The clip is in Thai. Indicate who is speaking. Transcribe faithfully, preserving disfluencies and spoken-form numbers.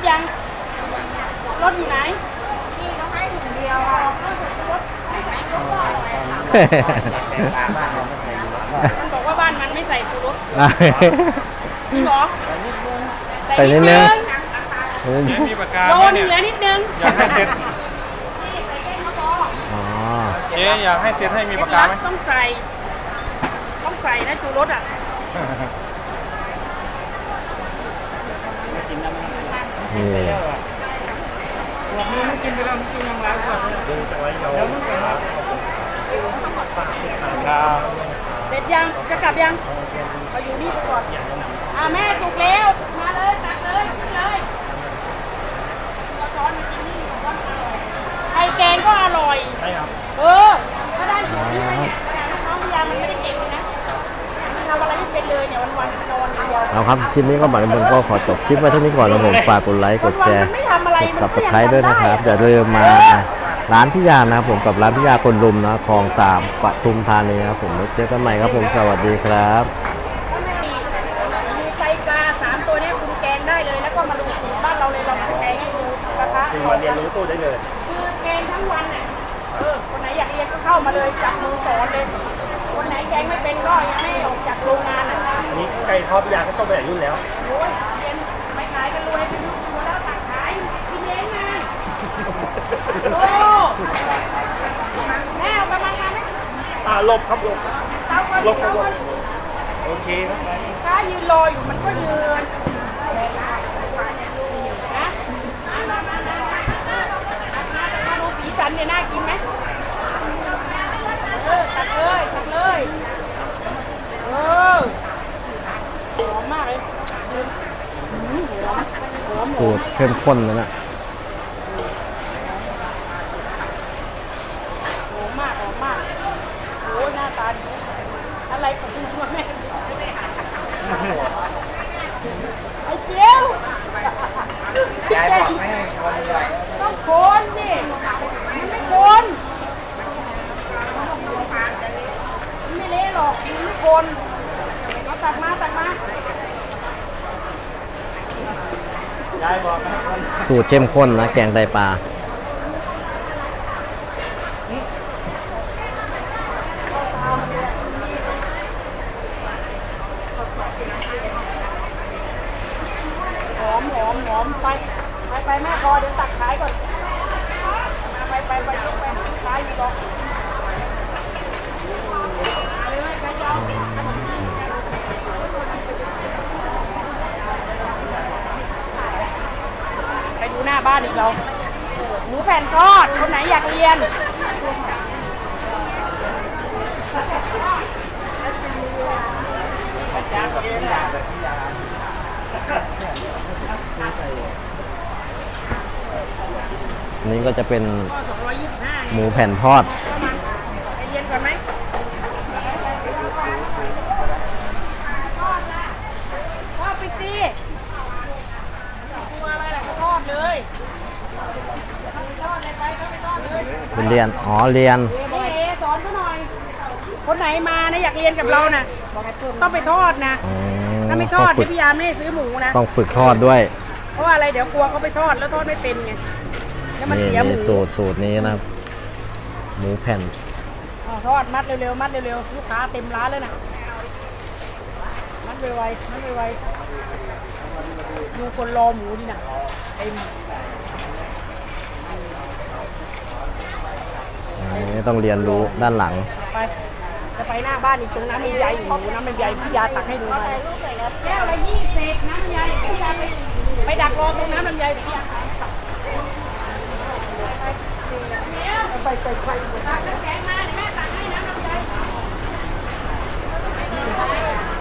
Speaker 1: ยังรถอยู่ไหน
Speaker 2: นี่เขาให้ถุงเดียวอ่ะ
Speaker 1: มันบอกว่าบ้านมันไม่ใส่ชูรสจริงเหรอ
Speaker 3: ใส่นิดนึง
Speaker 4: มีปากกา
Speaker 1: โด
Speaker 4: ไหม
Speaker 1: น
Speaker 4: เนี่ย
Speaker 1: เหลือนิดนึง
Speaker 4: อยากให้เซ็ต
Speaker 3: อ๋อ
Speaker 4: เจ๊อยากให้เซ็ตให้มีปากกาไหม
Speaker 1: ต้องใส่ต้องใส่นะชูรสอ่ะ
Speaker 3: นี่
Speaker 1: บอกมึงไม่กินไปแล้วมึงกินยังไงก่อนดูจากไรเดี๋ยวมึงไปครับเสร็จยังจะกลับยังเราอยู่นี่ก่อนอ่าแม่ถูกแล้วมาเลยตักเลยขึ้นเลยเราช้อนมากินนี่ช้อนอร่อยไข่แกงก็อร่อยใช่ครับเออถ้าได้สูตรนี้ไปเนี่ยน้องพยามันไม่ได้เก่งเลยนะมันทำอะไรไม่เป็นเลยเนี่ยวันๆนอนอย่างเดียว
Speaker 3: เอาครับคลิปนี้ก็บัตรบุญก็ขอจบคลิปไว้เท่านี้ก่อนนะผมฝากกดไลค์กดแชร์กดซับสไครต์ด้วยนะครับอย่าลืมมาร้านพิยานะครับผมกับร้านพิยาคนรุมนะคลองสามปทุมธานีครับผมเจอกันใหม่ครับผมสวัสดีครับ
Speaker 1: มีไตปลาสามตัวนี้ปรุงแกงได้เลยแล้วก็มาดูสูตรบ้านเราเลยเราแกงให้ดูกระทะ
Speaker 5: มาเรียนรู้ตู้ได้เลย
Speaker 1: คือแกงทั้งวันเนี่ยเออคนไหนอยากเรียนก็เข้ามาเลยจับมือสอนเลยคนไหนแกงไม่เป็นก็ยังไม่ออกจากโรงงานอ่ะ
Speaker 5: อันนี้ไก่ทอดพิยาก็ต้องไปรุ่นแล้ว
Speaker 1: โอ้ยเรียนไม่ขายกันรวยเป็นลูกตัวแล้วตักขายกินเองไงโอ้แม่เอาประมาณนั้นไหม
Speaker 5: อ่าลบครับลบลบครับลบโอเคครับ
Speaker 1: ถ้ายืนรออยู่มันก็ยืนนะมาดูสีสันเนี่ยน่ากินไหมเออตักเลยตักเลยเออหอมมากเลยหอมหอมหอ
Speaker 3: สู
Speaker 1: ม
Speaker 3: ตรเข้มข้นเลยนะ
Speaker 1: หอมมากหอมมากโอ้ยหน้าตาดีอะไรของคุณแม่ไอ้เจียวยายบอกไม่ให้คนเลยต้องคนสิมันไม่คนมันไม่เละหรอกมันไม่คนเอาตักมาตักมาย
Speaker 5: ายบอกนะ
Speaker 3: สูตรเข้มข้นนะแกงไตปลา
Speaker 1: หอมหอมหอมไปไปไปแม่พอเดี๋ยวตักขายก่อนไปไปไปยกไปขายอยู่ก่อนไปดูหน้าบ้านอีกเราหมูแผ่นทอดคนไหนอยากเรียน
Speaker 3: นี่ก็จะเป็นหมูแผ่นทอด
Speaker 1: ไปเรียนก่อนไหมทอดไปสิตัวอะไรล่ะทอดเลยทอดเลยไปก็ไปทอดเลย
Speaker 3: เป็นเรียนอ๋อเรียน
Speaker 1: นี่เอสอนเขาหน่อย คนไหนมานะอยากเรียนกับเรานะต้องไปทอดนะถ้าไม่ทอดเดี๋ยวพี่ยาไม่ให้ซื้อหมูนะ
Speaker 3: ต้องฝึกทอดด้วย
Speaker 1: เพราะว่าอะไรเดี๋ยวกลัวเขาไปทอดแล้วทอดไม่เป็นไงแล้วมัน
Speaker 3: นี่
Speaker 1: เสียหมู
Speaker 3: สูตรสูตรนี้นะครับหมูแผ่น
Speaker 1: ทอดมัดเร็วๆมัดเร็วๆลูกค้าเต็มร้านเลยนะมัดไวๆมัดไวๆดูคนรอหมูดินะเต็ม
Speaker 3: อันนี้ต้องเรียนรู้ด้านหลัง
Speaker 1: ไปจะไปหน้าบ้านอีกตรงน้ำมันใหญ่หมูน้ำมันใหญ่พี่ยาตักให้ดูมาแก้วละยี่สิบน้ำมันใหญ่พี่ยาไปไปดักรอตรงน้ำมันใหญ่พี่ยาไปไปไปตักน้ำแข็งมาแม่ตักให้น้ำมันใหญ่